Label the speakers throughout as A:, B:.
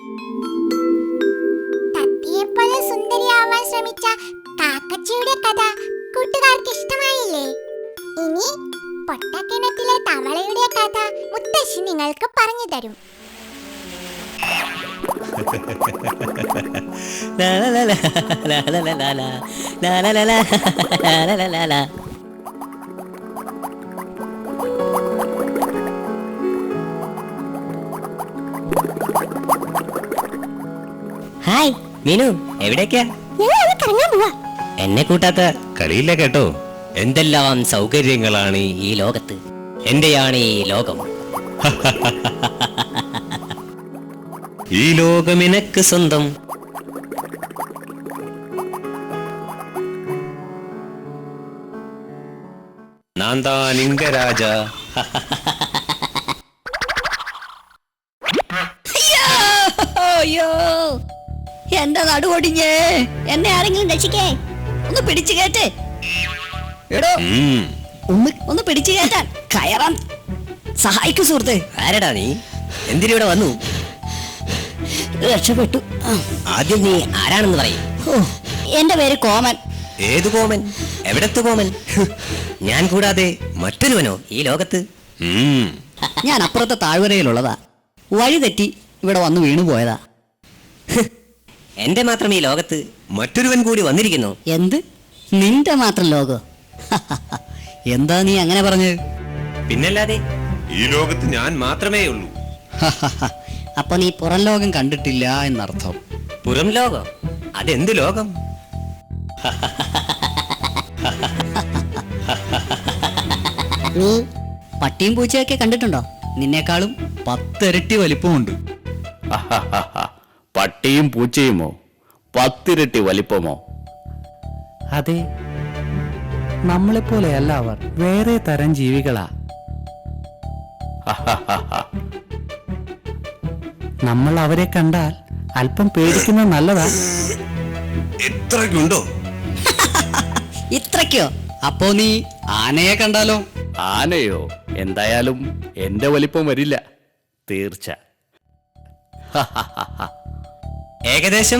A: തത്തയെപ്പോലെ സുന്ദരിയാവാൻ ശ്രമിച്ച കാക്കച്ചിയുടെ കഥ കൂട്ടുകാർക്ക് ഇഷ്ടമായില്ലേ? ഇനി പൊട്ടക്കിണറ്റിലെ തവളയുടെ കഥ മുത്തശ്ശി നിങ്ങൾക്ക് പറഞ്ഞു തരും.
B: ഹായ് മീനു, എവിടേക്കാ? എന്നെ കൂട്ടാത്ത കളിയില്ല കേട്ടോ. എന്തെല്ലാം സൗകര്യങ്ങളാണ് ഈ ലോകത്ത്. എന്റെയാണ് ഈ ലോകം. ഈ ലോകം എനക്ക് സ്വന്തം. നാന്താ ലിംഗരാജ.
C: അയ്യോ, എന്റെ നടുവൊടിഞ്ഞേ. എന്നെ ആരെങ്കിലും രക്ഷിക്കേ. ഒന്ന് പിടിച്ചു കേട്ടേ. എടോ, ഒന്ന് പിടിച്ചു കേട്ടാൻ കയറാൻ സഹായിക്കൂ സുഹൃത്തെ.
B: ആരടാ നീ? എന്തിനിവിടെ വന്നു?
C: രക്ഷപ്പെട്ടു.
B: ആദ്യം നീ ആരാണെന്ന് പറയും.
C: എന്റെ പേര് കോമൻ.
B: ഏതു കോമൻ? എവിടത്തെ കോമൻ? ഞാൻ കൂടാതെ മറ്റൊരുവനോ ഈ ലോകത്ത്?
C: ഞാൻ അപ്പുറത്തെ താഴ്വരയിലുള്ളതാ. വഴി തെറ്റി ഇവിടെ വന്ന് വീണു പോയതാ.
B: എന്റെ മാത്രം ഈ ലോകത്ത് മറ്റൊരുവൻ കൂടി വന്നിരിക്കുന്നു.
C: എന്ത്? നിന്റെ മാത്രം ലോകോ? എന്താ നീ അങ്ങനെ പറഞ്ഞത്?
B: പിന്നല്ലാതെ ഈ ലോകത്ത് ഞാൻ മാത്രമേ ഉള്ളൂ.
C: അപ്പൊ നീ പുറം ലോകം കണ്ടിട്ടില്ല എന്നർത്ഥം.
B: പുറം ലോകം? അതെന്ത് ലോകം?
C: നീ പട്ടിയും പൂച്ചയൊക്കെ കണ്ടിട്ടുണ്ടോ? നിന്നേക്കാളും 10 ഇരട്ടി വലിപ്പമുണ്ട്.
D: പട്ടിയും പൂച്ചയുമോ? 10 ഇരട്ടി വലിപ്പമോ?
E: അതെ, നമ്മളെപ്പോലെയല്ല അവർ. വേറെ തരം ജീവികളാ. നമ്മൾ അവരെ കണ്ടാൽ അല്പം പേടിക്കുന്നത് നല്ലതാ.
B: ഇത്രയ്ക്കുണ്ടോ?
C: ഇത്രയ്ക്കോ? അപ്പോ നീ ആനയെ കണ്ടാലോ?
D: ആനയോ? എന്തായാലും എന്റെ വലിപ്പം വരില്ല, തീർച്ച.
B: ഏകദേശം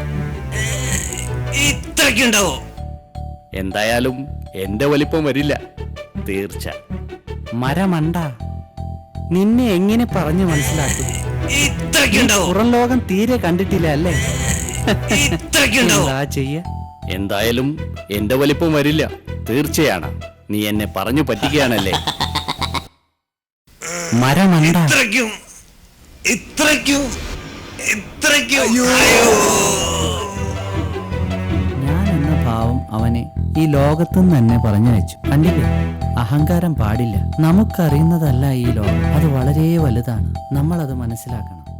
B: ഇത്രയ്ക്കുണ്ടാവോ?
D: എന്തായാലും എന്റെ വലിപ്പം വരില്ല, തീർച്ച.
E: മരമണ്ട, നിന്നെ എങ്ങനെ പറഞ്ഞു മനസ്സിലാക്കും?
B: ഇത്രയ്ക്കുണ്ടാവോ?
E: പുറം ലോകം തീരെ കണ്ടിട്ടില്ല അല്ലേ?
B: ഇത്രയ്ക്കുണ്ടാവോ?
E: എന്താ ചെയ്യ?
D: എന്തായാലും എന്റെ വലിപ്പം വരില്ല, തീർച്ചയാണ്. നീ എന്നെ പറഞ്ഞു പറ്റിക്കുകയാണല്ലേ?
E: മരമണ്ട.
B: ഇത്രയ്ക്കും ഇത്രയ്ക്കും ഇത്രയ്ക്കും.
E: ഞാൻ എന്ന ഭാവം അവനെ ഈ ലോകത്തുനിന്ന് തന്നെ പറഞ്ഞയച്ചു. കണ്ടില്ലേ, അഹങ്കാരം പാടില്ല. നമുക്കറിയുന്നതല്ല ഈ ലോകം. അത് വളരെ വലുതാണ്. നമ്മളത് മനസ്സിലാക്കണം.